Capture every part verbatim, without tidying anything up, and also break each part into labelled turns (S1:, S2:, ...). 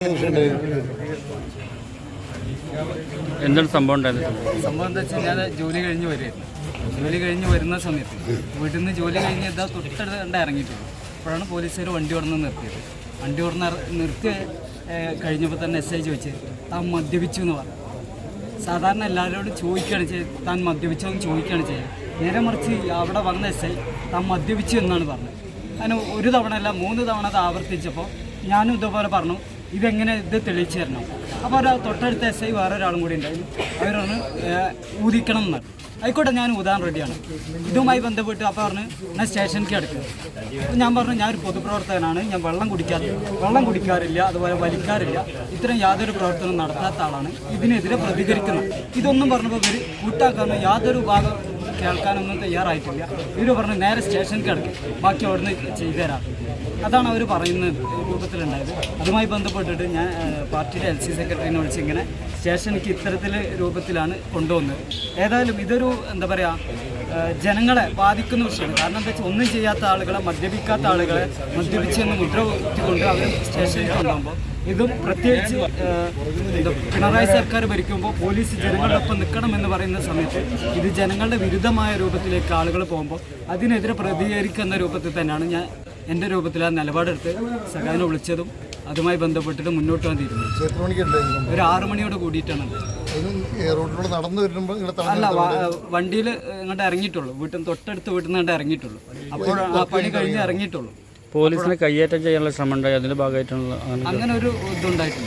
S1: എന്താണ് സംഭവം ഉണ്ടായത്?
S2: സംഭവം എന്താ വെച്ചാൽ ഞാൻ ജോലി കഴിഞ്ഞ് വരുമായിരുന്നു. ജോലി കഴിഞ്ഞ് വരുന്ന സമയത്ത് വീട്ടിൽ നിന്ന് ജോലി കഴിഞ്ഞ് എന്താ തൊട്ടടുത്ത് കണ്ട് ഇറങ്ങിയിട്ടുള്ളൂ. അപ്പോഴാണ് പോലീസുകാർ വണ്ടി ഓടുന്ന നിർത്തിയത്. വണ്ടി ഓടുന്ന നിർത്തി കഴിഞ്ഞപ്പോൾ തന്നെ എസ് ഐ ചോദിച്ച് താൻ മദ്യപിച്ചു എന്ന് പറഞ്ഞു. സാധാരണ എല്ലാവരോടും ചോദിക്കുകയാണ് ചെയ്ത് താൻ മദ്യപിച്ചോ എന്ന് ചോദിക്കുകയാണ് ചെയ്യുന്നത്. നേരെ മറിച്ച് അവിടെ വന്ന എസ് ഐ താൻ മദ്യപിച്ചു എന്നാണ് പറഞ്ഞത്. അതിന് ഒരു തവണ അല്ല മൂന്ന് തവണ അത് ആവർത്തിച്ചപ്പോൾ ഞാനും ഇതുപോലെ പറഞ്ഞു ഇതെങ്ങനെ ഇത് തെളിയിച്ചു തരണം. അപ്പോൾ ഒരു തൊട്ടടുത്ത എസ് ഐ വേറെ ഒരാളും കൂടി ഉണ്ടായിരുന്നു. അവരൊന്ന് ഊതിക്കണം എന്നാണ്. ആയിക്കോട്ടെ ഞാൻ ഊതാൻ റെഡിയാണ്. ഇതുമായി ബന്ധപ്പെട്ട് അപ്പോൾ പറഞ്ഞ് ഞാൻ സ്റ്റേഷനിലേക്ക് അടുക്കുക. അപ്പോൾ ഞാൻ പറഞ്ഞു ഞാനൊരു പൊതുപ്രവർത്തകനാണ്, ഞാൻ വെള്ളം കുടിക്കാത്ത വെള്ളം കുടിക്കാറില്ല, അതുപോലെ വലിക്കാറില്ല, ഇത്തരം യാതൊരു പ്രവർത്തനവും നടത്താത്ത ആളാണ്, ഇതിനെതിരെ പ്രതികരിക്കുന്നത്. ഇതൊന്നും പറഞ്ഞപ്പോൾ ഇവർ കൂട്ടാക്കാനോ യാതൊരു ഭാഗം കേൾക്കാനൊന്നും തയ്യാറായിട്ടില്ല. ഇവർ പറഞ്ഞു നേരെ സ്റ്റേഷനിലേക്ക് കിടക്കും, ബാക്കി അവിടുന്ന് ചെയ്തു തരാം. അതാണ് അവർ പറയുന്ന രൂപത്തിലുണ്ടായത്. അതുമായി ബന്ധപ്പെട്ടിട്ട് ഞാൻ പാർട്ടിയുടെ എൽ സി സെക്രട്ടറിനെ വിളിച്ച് ഇങ്ങനെ സ്റ്റേഷനിലേക്ക് ഇത്തരത്തിൽ രൂപത്തിലാണ് കൊണ്ടുവന്നത്. ഏതായാലും ഇതൊരു എന്താ പറയുക ജനങ്ങളെ ബാധിക്കുന്ന വിഷയമാണ്. കാരണം എന്താ വെച്ചാൽ ഒന്നും ചെയ്യാത്ത ആളുകളെ, മദ്യപിക്കാത്ത ആളുകളെ മദ്യപിച്ചെന്ന് മുദ്ര കുത്തിക്കൊണ്ട് അവർ സ്റ്റേഷനിൽ കൊണ്ടുപോകുമ്പോൾ ഇതും പ്രത്യേകിച്ച് പിണറായി സർക്കാർ ഭരിക്കുമ്പോൾ പോലീസ് ജനങ്ങളുടെ ഒപ്പം നിൽക്കണം എന്ന് പറയുന്ന സമയത്ത് ഇത് ജനങ്ങളുടെ വിരുദ്ധമായ രൂപത്തിലേക്ക് ആളുകൾ പോകുമ്പോൾ അതിനെതിരെ പ്രതികരിക്കുന്ന രൂപത്തിൽ തന്നെയാണ് ഞാൻ എൻ്റെ രൂപത്തിൽ ആ നിലപാടെടുത്ത് സഖാവിനെ വിളിച്ചതും അതുമായി ബന്ധപ്പെട്ടിട്ട് മുന്നോട്ട് പോകാൻ തീരുമാനിച്ചു. ഒരു ആറു മണിയോട് കൂടിയിട്ടാണ്. അല്ല, വണ്ടിയിൽ ഇങ്ങോട്ട് ഇറങ്ങിയിട്ടുള്ളൂ. വീട്ടിൽ തൊട്ടടുത്ത് വീട്ടിൽ നിന്ന് ഇങ്ങോട്ട് ഇറങ്ങിയിട്ടുള്ളൂ. അപ്പോൾ ആ പണി കഴിഞ്ഞ് ഇറങ്ങിയിട്ടുള്ളൂ.
S1: പോലീസിനെ കയ്യേറ്റം ചെയ്യാനുള്ള ശ്രമം ഉണ്ടായി, അതിന്റെ ഭാഗമായിട്ടുള്ള
S2: അങ്ങനെ ഒരു ഇതുണ്ടായിട്ടില്ല.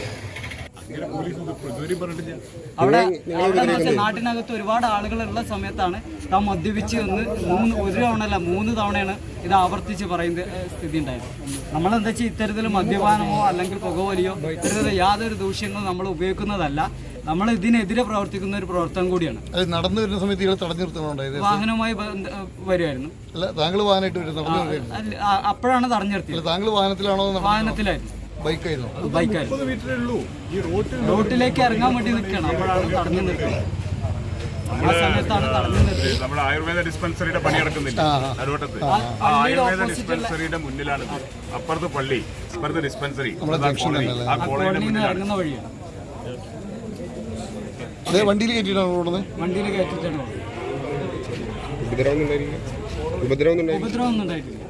S2: അവിടെ നാട്ടിനകത്ത് ഒരുപാട് ആളുകളുള്ള സമയത്താണ് താൻ മദ്യപിച്ച് ഒന്ന് മൂന്ന് ഒരു തവണ മൂന്ന് തവണയാണ് ഇത് ആവർത്തിച്ച് പറയുന്ന സ്ഥിതി ഉണ്ടായത്. നമ്മളെന്താ വെച്ചാൽ ഇത്തരത്തിൽ മദ്യപാനമോ അല്ലെങ്കിൽ പുകവലിയോ ഇത്തരത്തിൽ യാതൊരു ദൂഷ്യങ്ങളും നമ്മൾ ഉപയോഗിക്കുന്നതല്ല. നമ്മൾ ഇതിനെതിരെ പ്രവർത്തിക്കുന്ന ഒരു പ്രവർത്തനം കൂടിയാണ്.
S3: നടന്നു വരുന്ന സമയത്ത് തടഞ്ഞു നിർത്തുന്നുണ്ടായത്
S2: വാഹനവുമായി വരുമായിരുന്നു. അപ്പോഴാണ് തടഞ്ഞു നിർത്തിയത്.
S3: താങ്കൾ വാഹനത്തിലാണോ? വാഹനത്തിലായിരുന്നു.
S2: ബൈക്കായിരുന്നു. ബൈക്കായിരുന്നു. റോട്ടിലേക്ക് ഇറങ്ങാൻ വേണ്ടി നിൽക്കുകയാണ്. അപ്പോഴാണ് തടഞ്ഞു നിർത്തിയത്. ആ സമയത്താണ് തടഞ്ഞു നിർത്തിയത്.
S4: നമ്മുടെ ആയുർവേദ ഡിസ്പെൻസറിയുടെ പണി നടക്കുന്നില്ല അരുവട്ടത്ത്. ആ ആയുർവേദ ഡിസ്പെൻസറിയുടെ മുന്നിലാണ്. അപ്പുറത്ത് പള്ളി, അപ്പുറത്ത് ഡിസ്പെൻസറി. ആ കോളനിയിൽ
S2: ഇറങ്ങുന്ന വഴിയാണ്.
S3: വണ്ടിയിൽ കയറ്റിയിട്ടാണ് ഓടുന്നത്.
S2: വണ്ടിയിൽ കയറ്റിയിട്ടാണ്.
S5: ഉപദ്രവം
S2: ഉപദ്രവം ഒന്നും ഉണ്ടായിട്ടില്ല.